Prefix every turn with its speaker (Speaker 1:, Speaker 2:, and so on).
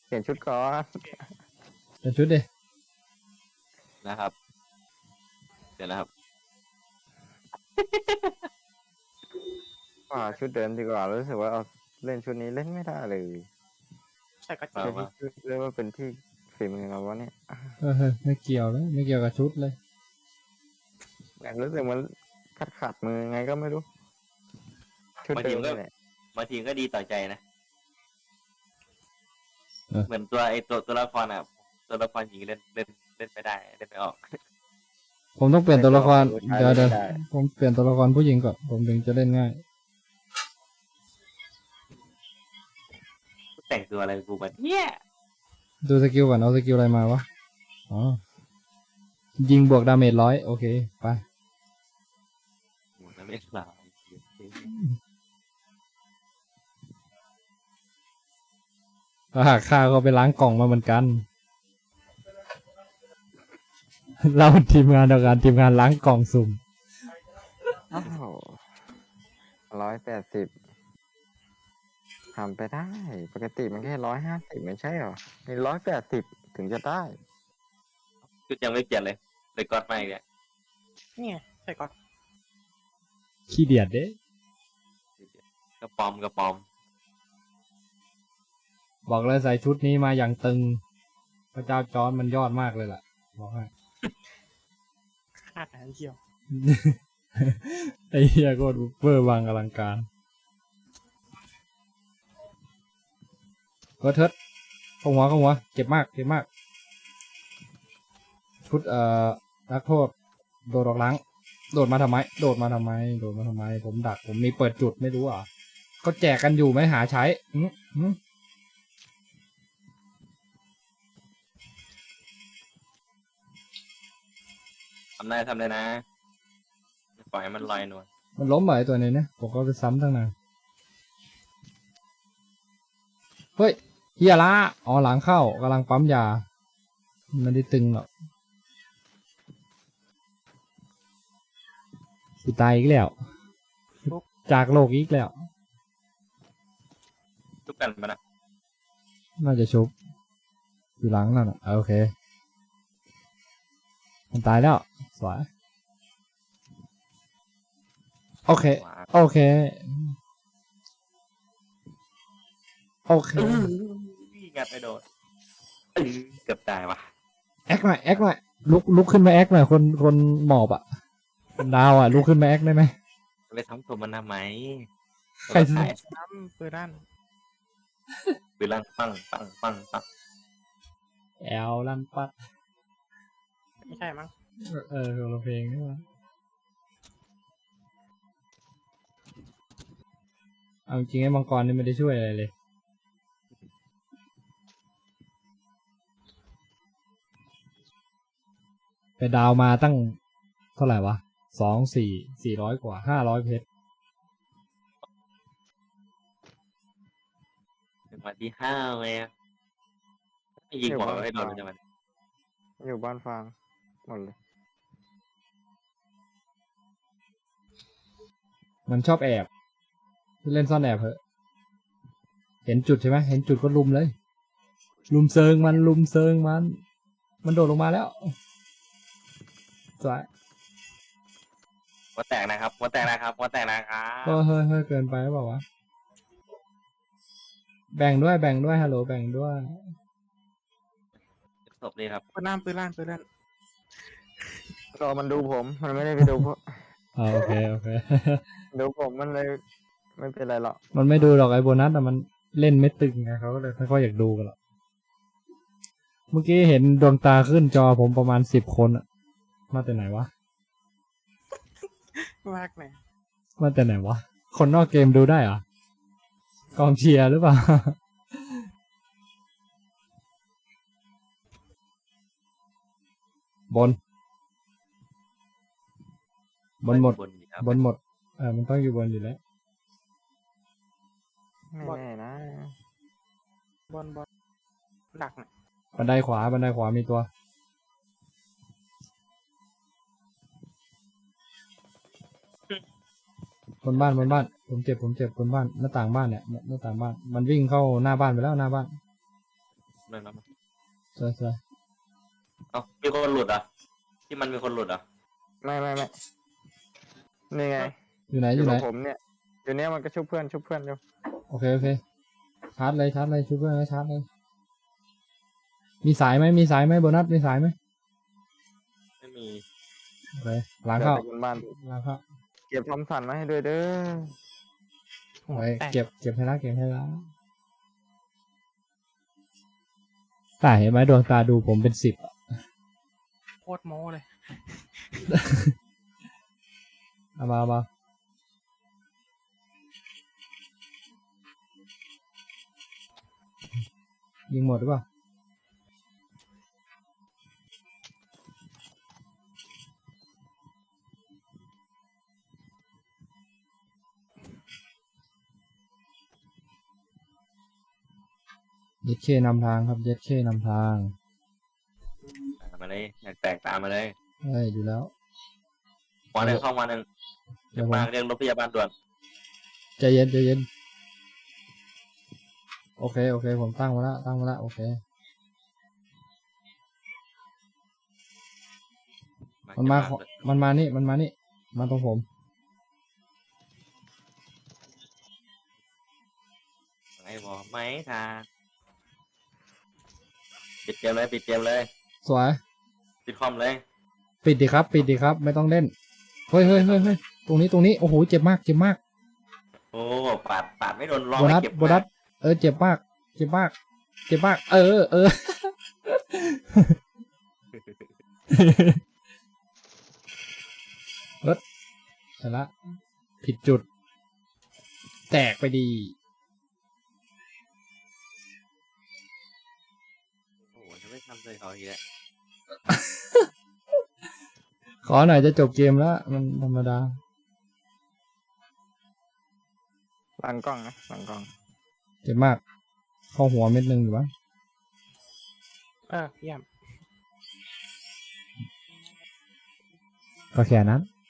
Speaker 1: เปลี่ยนชุดก่อน
Speaker 2: เป็นชุดดิ
Speaker 3: นะครับเดี๋ยวนะครับ
Speaker 1: ชุดเดิมดีกว่ารู้สึกว่าเอาเล่นชุดนี้เล่นไม่ได้เลย
Speaker 4: ใส่กระ
Speaker 1: ไม่
Speaker 4: เจี๊ยบ
Speaker 1: ใช่ชุดเรียกว่าเป็นที่ฝีมือเราวะเนี่ย
Speaker 2: ไม่เกี่ยวเลยไม่เกี่ยวกับชุดเลย
Speaker 1: แบบรู้สึกมันขัดมือไงก็ไม่รู้ชุดเดิมนี่แหละ
Speaker 3: บางทีก็ดีต่อใจนะ
Speaker 2: เออ
Speaker 3: เหมือนตัวละครอ่ะตัวละครหญิงเล่นไม่ได้เล่นไม่ออก
Speaker 2: ผมต้องเปลี่ยนตัวละคร
Speaker 1: ใช้
Speaker 2: เดี๋ยว
Speaker 1: ไม่ได้
Speaker 2: ผมเปลี่ยนตัวละครผู้หญิงก่อนผมถึงจะเล่นง่าย
Speaker 3: แต่งตัวอะไรกูแบบเนี่ย
Speaker 2: ดูสกิลก่อนเอาสกิลอะไรมาวะอ๋อยิงบวกดาเมจ100โอเคไป
Speaker 3: โอ้แล้วไม่สาว
Speaker 2: ถ้าหากฆ่าก็ไปล้างกล่องมาเหมือนกัน เราทีมงานเดียวกันทีมงานล้างกล่องสุ่ม
Speaker 1: อ้าว180ทำไปได้ปกติมันแค่150ไม่ใช่หรอนี่180ถึงจะได้
Speaker 3: ชุดยังไม่เปลี่ยนเลยเลยก๊อตมาอีกเนี่ย
Speaker 4: เนี่ยใส่ก่อน
Speaker 2: ขี้เดียดเด้
Speaker 3: กระปอม
Speaker 2: บอกเลยใส่ชุดนี้มาอย่างตึง พระเจ้าจอร์จมันยอดมากเลยล่ะบอกให้
Speaker 4: คาดหางเกี่ยว
Speaker 2: ไอ้เหี้ยโคตรเวอร์วังอลังการก็เทิดเข้าหัวเจ็บมากชุดนักโทษโดดออกหลังโดดมาทำไมผมดักผมมีเปิดจุดไม่รู้อ่ะก็แจกกันอยู่ไม่หาใช้
Speaker 3: ทำได้นะไม่ปล่อยให้มันลอยนวล
Speaker 2: มันล้มไปตัวนี้เนี่ยผมก็ไปซ้ำตั้งนานเฮ้ยเฮียละอ๋อหลังเข้ากำลังปั๊มยาไม่ได้ตึงหรอกสิตายอีกแล้วจากโลกอีกแล้ว
Speaker 3: ทุกกันมานะ
Speaker 2: น่าจะชุบอยู่หลังนั่นอ่ะโอเคมันตายแล้วสวยโอเค
Speaker 3: งัดไปโดนเกือบตายว่ะ
Speaker 2: แอคหน่อยลุกขึ้นมาแอคหน่อยคนหมอบอ่ะคนดาวอ่ะลุกขึ้นมาแอคได้ไหม
Speaker 3: ไปทำตัวมันทำไม
Speaker 2: ใคร
Speaker 3: ถ่าย
Speaker 4: น้ำปืนด้าน
Speaker 3: ปืนลั่งปัง
Speaker 2: แอลลันปัด
Speaker 4: ไม่ใช่มั้ง
Speaker 2: คนละเพลงนี่วะเอาจริงไอ้มังกรนี่ไม่ได้ช่วยอะไรเลยไปดาวมาตั้งเท่าไหร่วะ400 กว่า500 เพชร
Speaker 3: ถึงวันที่5เลยอะยิงหัวให้โดนเลยมัน
Speaker 1: อยู่บ้านฟางหมดเลย
Speaker 2: มันชอบแอบเล่นซ่อนแอบเหอะเห็นจุดใช่ไหมเห็นจุดก็ลุมเลยลุมเซิงมันโดดลงมาแล้วสวย
Speaker 3: หัวแตกนะครับ
Speaker 2: เฮ้ยเกินไปหรือเปล่าวะแบ่งด้วยฮัลโหลแบ่งด้วย
Speaker 3: ศพนี่ครับ
Speaker 4: ปืนด้าน
Speaker 1: รอมันดูผมมันไม่ได้ไปดูเพราะ
Speaker 2: โอเค
Speaker 1: ดูผมมันเลยไม่เป็นไรหรอก
Speaker 2: มันไม่ดูหรอกไอ้โบนัสแต่มันเล่นไม่ตึงไงเขาก็เลยไม่ค่อยอยากดูกันหรอกเมื่อกี้เห็นดวงตาขึ้นจอผมประมาณ10 คนอะมาแต่ไหนวะ
Speaker 4: มากเลย
Speaker 2: มาแต่ไหนวะคนนอกเกมดูได้เหรอกองเชียร์หรือเปล่า บนหมด
Speaker 3: อยู่ครับ
Speaker 2: บนหมดมันต้องอยู่บนอยู่แล้ว
Speaker 1: ไม่แน่นะ
Speaker 4: บอลดักน่ะ
Speaker 2: บันไดขวามีตัวบนบ้านผมเจ็บบนบ้านหน้าต่างบ้านเนี่ยหน้าต่างบ้านมันวิ่งเข้าหน้าบ้านไปแล้วหน้าบ้าน
Speaker 3: เลยนะ
Speaker 2: สวยสวย
Speaker 3: เอ้ามีคนหลุดอ่ะที่มันมีคนหลุดอ่ะ
Speaker 1: ไม่นี่ไง
Speaker 2: อยู่ไหน
Speaker 1: อ
Speaker 2: อยู่ ยู่ไหน
Speaker 1: กับผมเนี่ยอยู่เนี้ยมันก็ชุบเพื่อนอยู่
Speaker 2: โอเคโอเคชาร์จเลยชุบเพื่อนแล้วชาร์จเลยมีสายไหมโบนัสมีสายไหม
Speaker 3: ไม่มี
Speaker 2: โอเคล้างเข้า
Speaker 1: ดี๋ยวไปบนบ้าน
Speaker 2: ล้างเข้า
Speaker 1: เก็บทอมสันมาให้ด้วยเด้อ
Speaker 4: หัว
Speaker 2: ไป
Speaker 4: แตก
Speaker 2: เก็บให้ละตาเห็นไหมดวงตาดูผมเป็น10
Speaker 4: โคตรโม้เลย
Speaker 2: เอามายิงหมดหรือเปล่าเย็ดเคนำทางครับเย็ดเคนำทาง
Speaker 3: มาเลยอยากแตกตามมาเลย
Speaker 2: เฮ้ยอยู่แล้ว
Speaker 3: วันหนึ่งเข้าวันหนึ่ง
Speaker 2: เดี๋ยวผม
Speaker 3: มาเรียกรถพยาบาลด่วน
Speaker 2: ใจเย็นโอเคผมตั้งมาละโอเคมันมานี่มาตรงผม
Speaker 3: ไอ้บอกไหมทาปิดเกมเลย
Speaker 2: สวย
Speaker 3: ปิดคอมเลย
Speaker 2: ปิดดีครับไม่ต้องเล่นเฮ้ยตรงนี้โอ้โหเจ็บมาก
Speaker 3: โอ้ปาดไม่โดนร้อง
Speaker 2: โบนั
Speaker 3: ไม่
Speaker 2: ส
Speaker 3: เก็บ
Speaker 2: เจ็บมากเออรถเสร็จละผิดจุด แตกไปดี
Speaker 3: โอ้โหจะไม่ทำเลยเขาอีกแล้ว
Speaker 2: ขอหน่อยจะจบเกมแล้วมันธรรมดา
Speaker 1: หลังกล้องนะหลังกล้อง
Speaker 2: เจ็บมากเข้าหัวเม็ดนึงอยู่วะ
Speaker 4: เยี่ยม
Speaker 2: ก็แค่นั้น